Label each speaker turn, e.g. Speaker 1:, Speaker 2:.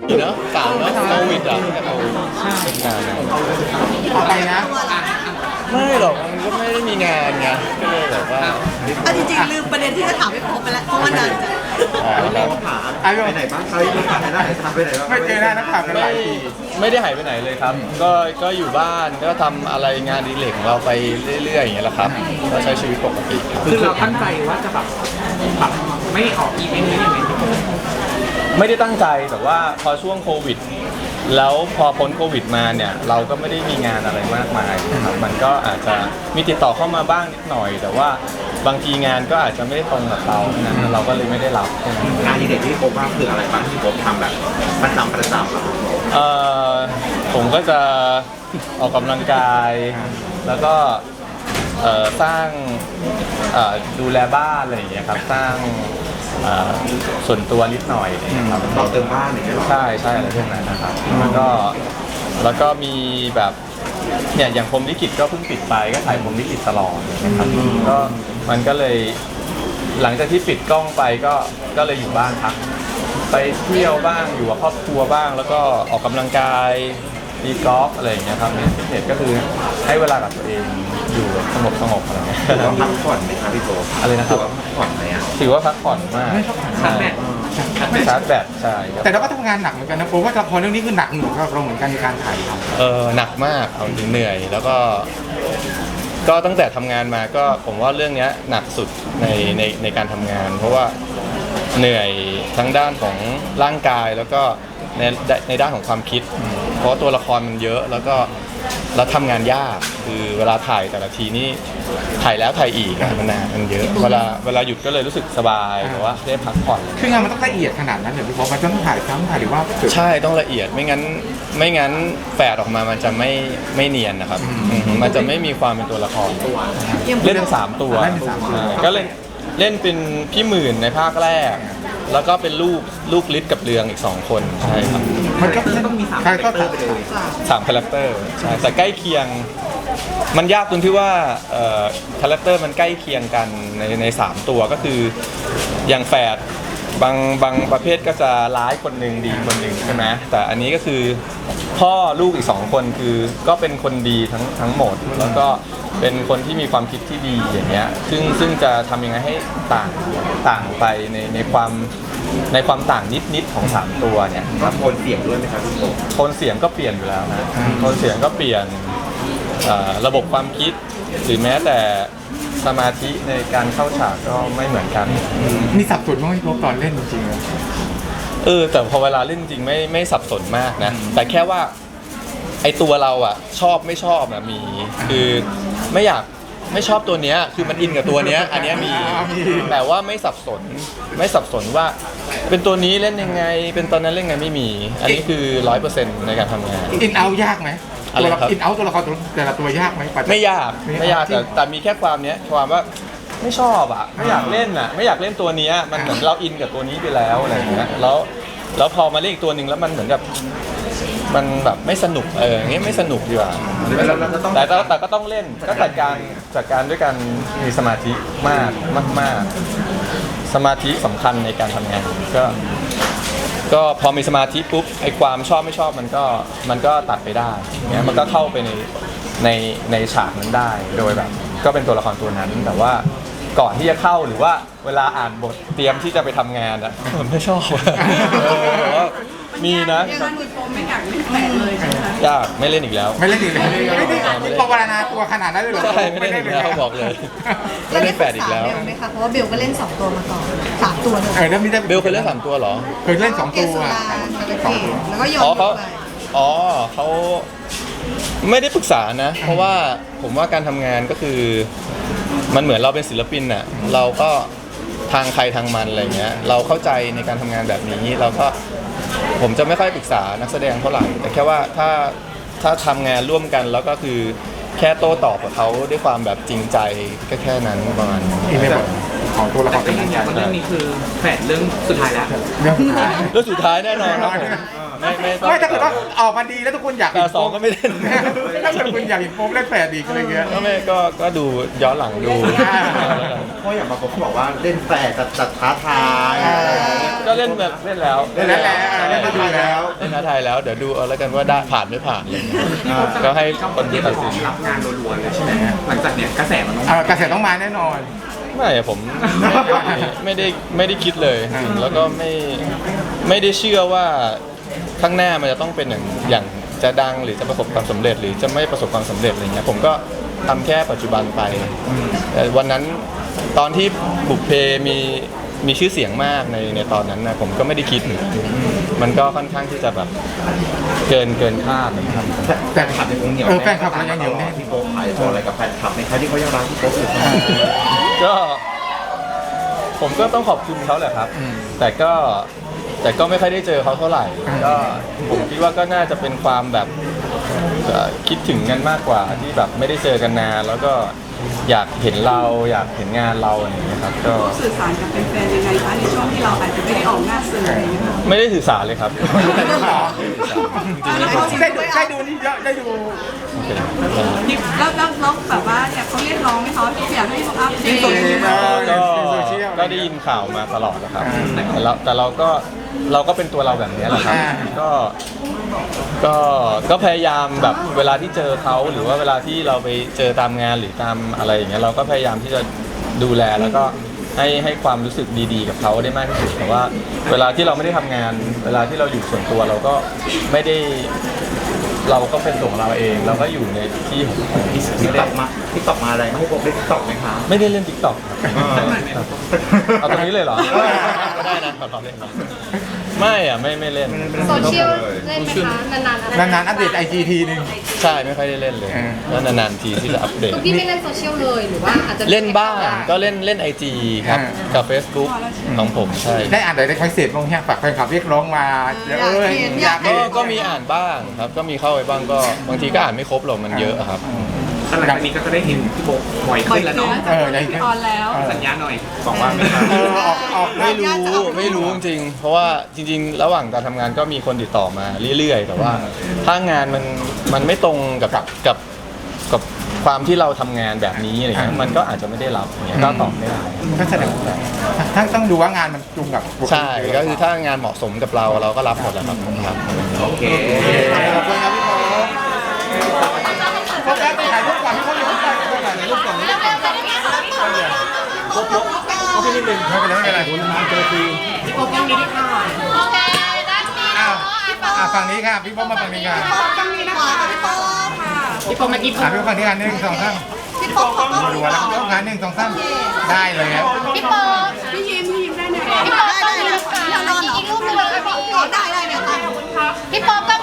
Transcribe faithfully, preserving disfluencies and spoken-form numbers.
Speaker 1: เนาะสามแล้วโควิดอ่ะเป็นงาน
Speaker 2: ต่อไปนะ
Speaker 1: ไม่หรอกมันก็ไม่ได้มีงานไงก็เลยแบบว่า
Speaker 3: อ่ะจริงๆลืมประเด็นที่จะถามไม่พบไปแล้วเพราะว่านานจัง
Speaker 2: ไปไหนบ้างไปไหนได้ทำไปไหนบ้างไม่เจอหน้านักข่าวกันหลายปี
Speaker 1: ไม่ได้หายไปไหนเลยครับก็ก็อยู่บ้านก็ทำอะไรงานดีเล็กของเราไปเรื่อยๆอย่างเงี้ยแหละครับก็ใช้ชีวิตปกติ
Speaker 4: คือเราตั้งใจว่าจะแบบแบบไม่ออกอีเวนต์นี้ยังไง
Speaker 1: ไม่ได้ตั้งใจแต่ว่าพอช่วงโควิดแล้วพอพ้นโควิดมาเนี่ยเราก็ไม่ได้มีงานอะไรมากมายนะครับมันก็อาจจะมีติดต่อเข้ามาบ้างนิดหน่อย แต่ว่าบางทีงานก็อาจจะไม่ได้ตรงกับเรานะเราก็เลยไม่ได้รับ
Speaker 2: งานที่เด็กที่ผมว่าคืออะไรบ้างที่ผมทำแบบประจำประจำ
Speaker 1: เอ่อผมก็จะออกกำลังกายแล้วก็สร้างดูแลบ้านอะไรอย่างเงี้ยครับสร้างส่วนตัวนิดหน่อยนะครับ
Speaker 2: ต่อเติมบ้านอย่างเงี้ย
Speaker 1: ใช่ใช่อะไรพวกนั้นนะครับแล้วก็แล้วก็มีแบบเนี่ยอย่างพรหมลิขิตก็เพิ่งปิดไปก็ถ่ายพรหมลิขิตตลอดนะครับก็มันก็เลยหลังจากที่ปิดกล้องไปก็ก็เลยอยู่บ้านพักไปเที่ยวบ้างอยู่กับครอบครัวบ้างแล้วก็ออกกำลังกายตีกอล์ฟอะไรอย่างเงี้ยครับในฟิตเนสก็คือให้เวลากับตัวเองอยู่สงบสงบอะไรเงี้ย
Speaker 2: พักผ่อนไหมครับพี่โต
Speaker 1: อะไรนะครับ
Speaker 2: พักผ่อนไหมอ่ะ
Speaker 1: ถือว่าพักผ่อนมาก
Speaker 4: ชาร์จแบต
Speaker 1: ชาร์จแบตใช่
Speaker 2: แต่เราก็ทำงานหนักเหมือนกันนะผมว่าละครเรื่องนี้คือหนักหน่วงสำหรับเราเหมือนกันในการถ่ายทำ
Speaker 1: เออหนักมากเอาจริงเหนื่อยแล้วก็ก็ตั้งแต่ทำงานมาก็ผมว่าเรื่องนี้หนักสุดในในในการทำงาน เพราะว่าเหนื่อยทั้งด้านของร่างกายแล้วก็ในในด้านของความคิดเพราะตัวละครมันเยอะแล้วก็แล้วทำงานยากคือเวลาถ่ายแต่ละทีนี่ถ่ายแล้วถ่ายอีกมันนานมันเยอะเวลาเวลาหยุดก็เลยรู้สึกสบายแต่ว่าได้พักผ่อน
Speaker 2: คืองานมันต้องละเอียดขนาดนั้นเหรอพี่บอกมันต้องถ่ายซ้ำถ่ายหรือว่า
Speaker 1: ใช่ต้องละเอียดไม่งั้นไม่งั้นแฝดออกมามันจะไม่ไม่เนียนนะครับมันจะไม่มีความเป็นตัวละครเล่นเป็นสามตัวก็เล่นเล่นเป็นพี่หมื่นในภาคแรกแล้วก็เป็นลูกลูกลิศกับเรืองอีกสองคนใช่ครับ
Speaker 2: มันก็ต้องมีสามคาแรคเตอร์ไปเลย
Speaker 1: สามคาแรคเตอร์ใช่แต่ใกล้เคียงมันยากตรงที่ว่าคาแรคเตอร์มันใกล้เคียงกันในในสามตัวก็คืออย่างแฝดบางบางประเภทก็จะร้ายคนหนึ่งดีคนหนึ่งใช่ไหมแต่อันนี้ก็คือพ่อลูกอีกสองคนคือก็เป็นคนดีทั้งทั้งหมดแล้วก็เป็นคนที่มีความคิดที่ดีอย่างเงี้ยซึ่งซึ่งจะทำยังไงให้ต่างต่างไปในในความในความต่างนิดนิดของสามตัวเนี่ย
Speaker 2: ครับโทนเสียงด้วยไหมครับพี่โต
Speaker 1: โทนเสียงก็เปลี่ยนอยู่แล้วนะโทนเสียงก็เปลี่ยนระบบความคิดหรือแม้แต่สมาธิในการเข้าฉากก็ไม่เหมือนกัน
Speaker 2: มีสับสนบ้างไหมตอนเล่นจริง
Speaker 1: ๆเออแต่พอเวลาเล่นจริงไม่ไม่สับสนมากนะแต่แค่ว่าไอตัวเราอ่ะชอบไม่ชอบนะมีคือไม่อยากไม่ชอบตัวเนี้ยคือมันอินกับตัวเนี้ยอันเนี้ยมีแต่ว่าไม่สับสนไม่สับสนว่าเป็นตัวนี้เล่นยังไงเป็นตอนนั้นเล่นยังไงไม่มีอันนี้คือร้อยเปอร์เซ็นต์ในการทำงาน
Speaker 2: อินเอายากไหมอะไรครับอินเอาตัวละครแต่ละตัวยากไหม
Speaker 1: ไม่ยากไม่ยากแต่แต่มีแค่ความเนี้ยความว่าไม่ชอบอ่ะไม่อยากเล่นอ่ะไม่อยากเล่นตัวนี้มันเหมือนเราอินกับตัวนี้ไปแล้วอะไรอย่างเงี้ยแล้วแล้วพอมาเล่นอีกตัวหนึ่งแล้วมันเหมือนกับมันแบบไม่สนุกเอออย่างเงี้ยไม่สนุกดีกว่าแต่แต่ก็ต้องเล่นก็จัดการจัดการด้วยการมีสมาธิมากมากๆสมาธิสำคัญในการทำงานก็ก็พอมีสมาธิปุ๊บไอ้ความชอบไม่ชอบมันก็มันก็ตัดไปได้เงี้ยมันก็เข้าไปในในในฉากนั้นได้โดยแบบก็เป็นตัวละครตัวนั้นแต่ว่าก่อนที่จะเข้าหรือว่าเวลาอ่านบทเตรียมที่จะไปทำงานอะผมไม่ชอบมีนะ
Speaker 3: ไม่อยากเล่นแฝดเลยใช่ไหม
Speaker 1: ยากไม่เล่นอีกแล้ว
Speaker 2: ไม่เล่นอีกแล้วไม่ได้ปวารณาตัวขนาดนั้นเลยเหรอ
Speaker 1: ใช่ไม่เล่นอีกแล้วบอกเลยไม่เล่นแฝดอีกแล้ว
Speaker 3: ไหมคะเพราะว่าเบลก็เล่นสองตัวมาก่อนสามตัวเลย
Speaker 1: เบลเคยเล่นสามตัวเหรอ
Speaker 2: เคยเล่นสองตัว
Speaker 3: แล้วก็โยน
Speaker 1: อ๋อเขาอ๋อเขาไม่ได้ปรึกษานะเพราะว่าผมว่าการทำงานก็คือมันเหมือนเราเป็นศิลปินน่ะเราก็ทางใครทางมันอะไรเงี้ยเราเข้าใจในการทำงานแบบนี้เราก็ผมจะไม่ค่อยปรึกษานักแสดงเท่าไหร่แต่แค่ว่าถ้าถ้าทำงานร่วมกันแล้วก็คือแค่โต้ตอบกับเขาด้วยความแบบจริงใจก็แค่นั้นประมาณนี้
Speaker 2: ของตัวละคร
Speaker 4: เป็นยังไงเรื่องนี้คือแฝดเรื่องสุดท้ายแล้ว
Speaker 2: เรื่องสุดท้าย
Speaker 1: เรื่องสุดท้ายแน่นอนครับผม
Speaker 2: ไม่ไม่ไม่ถ้าเกิดว่าออกมาดีแล้วทุกคนอยาก
Speaker 1: แต่สองก็ไม่เล่น
Speaker 2: ถ้าเกิดคุณอยากเห็นโป๊ปเล่นแฝดอีกอะไรเงี้ย
Speaker 1: ก็ไม่ก็ก็ดูย้อนหลังดู
Speaker 2: เพราะอย่างบางคนเขาบอกว่าเล่นแฝดจัดจัดท้าทาย
Speaker 1: ก็เล่นแบบเล่นแล้ว
Speaker 2: เล่นแล้วเล่นดูแล้ว
Speaker 1: เล่นท้าทายแล้วเดี๋ยวดูเอาแล้วกันว่าได้ผ่านไม่ผ่านอะไรเงี้ยก็ให้คนที่ตัดสิน
Speaker 4: รับงานรัวๆเลยใช่ไหมฮะหลังจากเนี้ยกระแสมันต้อง
Speaker 2: เออกระแสต้องมาแน่นอน
Speaker 1: ไม่อะผมไม่ได้ไม่ได้คิดเลยจริงๆแล้วก็ไม่ไม่ได้เชื่อว่าข้างหน้ามันจะต้องเป็นอย่างอย่างจะดังหรือจะประสบความสำเร็จ หรือจะไม่ประสบความสำเร็จอะไรเงี้ยผมก็ทำแค่ปัจจุบันไปแต่วันนั้นตอนที่บุพเพมีมีชื่อเสียงมากในในตอนนั้นนะผมก็ไม่ได้คิดเหมือนกันมันก็ค่อนข้างที่จะแบบเกินเกินคาดนะครับ
Speaker 2: แฟนคลับยังเหนียว
Speaker 5: เออแฟนคลับเรายังเหนียวแน่
Speaker 2: พี่โป๊ปขายตัวอะไรกับแฟนคลับในใครที่เขายังรักพี่โป๊ปอยู่
Speaker 1: ก็ผมก็ต้องขอบคุณเขาแหละครับ แต่ก็แต่ก็ไม่ค่อยได้เจอเขาเท่าไหร่ ก็ผมคิดว่าก็น่าจะเป็นความแบบเอ่อคิดถึงกันมากกว่าที่แบบไม่ได้เจอกันนานแล้วก็อยากเห็นเราอยากเห็นงานเราอะไรอย่างเงี้ยครับก็
Speaker 3: สื่อสารกับแฟนๆยังไงคะในช่วงที่เราอาจจะไม่ได้ออกหน้าสื่ออะไรอย่างเงี้ยค่ะ
Speaker 1: ไม่ได้สื่อสารเลยครับ
Speaker 3: แล้วเขา
Speaker 2: ได้ดูได้ดูนี่เยอะได้ดู
Speaker 3: แล้วแล้วแล้วแบบว่าเนี่ยเขาเรียกร้องไหมคะอยากให้อัปเดต
Speaker 1: ก็ก็ได้ยินข่าวมาตลอดนะครับแต่เราแต่เราก็เราก็เป็นตัวเราแบบนี้แหละครับ ก็ก็ก็พยายามแบบเวลาที่เจอเขาหรือว่าเวลาที่เราไปเจอตามงานหรือตามอะไรอย่างเงี้ยเราก็พยายามที่จะดูแลแล้วก็ให้ให้ความรู้สึกดีๆกับเขาได้มากที่สุดแต่ว่าเวลาที่เราไม่ได้ทำงาน เวลาที่เราอยู่ส่วนตัวเราก็ไม่ได้เราก็เป็นตัวของเราเอง เราก็อยู่ในที่ของเรา
Speaker 2: ติ๊กต็อกมาติ๊กต็อกมาอะไรให้โป๊ปได้ติ๊กต็อกไหมคะ
Speaker 1: ไม่ได้เล่นติ๊กต็อกเอาตรงนี้เลยเหรอก็ได้นะขอตอบเล่นครับไม่อ่ะไม่ไม่เล่น
Speaker 6: โซเชียลเล่นไหมคะนานๆอะไร
Speaker 2: นานๆอัปเดตไอจีทีนึง
Speaker 1: ใช่ไม่ค่อยได้เล่นเลย
Speaker 2: เออ
Speaker 1: แล้วนานๆทีที่จะอัปเดต
Speaker 6: คุณพี่ไม่เล่นโซเชียลเลยหรือว่าอาจจะ
Speaker 1: เล่นบ้างก็เล่นเล่นไอจีครับ
Speaker 2: อ่า
Speaker 1: กับ Facebook ของผมใช่
Speaker 2: ได้อ่านอะไรได้คอยเสร็จบ้างเนี่ยฝากแฟนคลับเรียกร้องมาเอออยาก
Speaker 1: ก็
Speaker 2: เห็น
Speaker 1: ก็มีอ่านบ้างครับ ก็มีเข้าไปบ้างก็บางทีก็อ่านไม่ครบหรอกมันเยอะครับ
Speaker 4: หลังจากนี้ก็จะได้เห็นพี่โบบ่อยขึ้นแล้วเนาะ
Speaker 2: เออได้
Speaker 3: ออนแล้ว
Speaker 4: สัญญาหน่อยบอกว่าไหมครับ
Speaker 2: เออออกออก
Speaker 1: ไม่รู้ไม่รู้จริงๆเพราะว่าจริง ๆ ระหว่างการทำงานก็มีคนติดต่อมาเรื่อยๆ แต่ว่าถ้างานมันมันไม่ตรงกับกับกับความที่เราทำงานแบบนี้อะไรเงี้ยมันก็อาจจะไม่ได้รับอย่างเงี้ยก็ตอบไม่ได้
Speaker 2: ก็แสดงว่าทั้งต้องดูว่างานมันตรงกับ
Speaker 1: ใช่ก็คือถ้างานเหมาะสมกับเราเราก็รับหมดแหละครับครับ
Speaker 2: โอเคขอบคุณครับพี่โป๊ปโฟกัสไปถ่ายรูปก่อนพี่โป๊ปอย่าเพิ่งไปถ่ายรูปก่อนไม่เป็นไรไม่เป็นไรคุณมาเจอที
Speaker 6: โอเคได้ดี
Speaker 2: อ้าวอ่ะฝั่งนี้ค่ะพี่โป๊ปมาฝั่งนี้ค่ะ
Speaker 3: ต้องมีนะคะพี่โป๊ปค่ะ
Speaker 6: พี่โปเมื่อกี้
Speaker 2: อ่ะพี่โป๊ปฝั่งนี้กันหนึ่งสองสาม
Speaker 3: พี่โป๊ปขอ
Speaker 2: มาดูแล้วพี่โป๊ปงานหนึ่งสองสามได้เลยครับ
Speaker 6: พี่โป
Speaker 3: พี่ยิ้มพี่ยิ้มได้ไหม
Speaker 6: พี่โปต้องมีลูกค้า
Speaker 3: พี่นอนเหรอ
Speaker 6: อีกรูปหนึงเลยค่ะพี่
Speaker 3: อ๋อได้ได้เนี่ยค่ะ
Speaker 6: พี่โปก็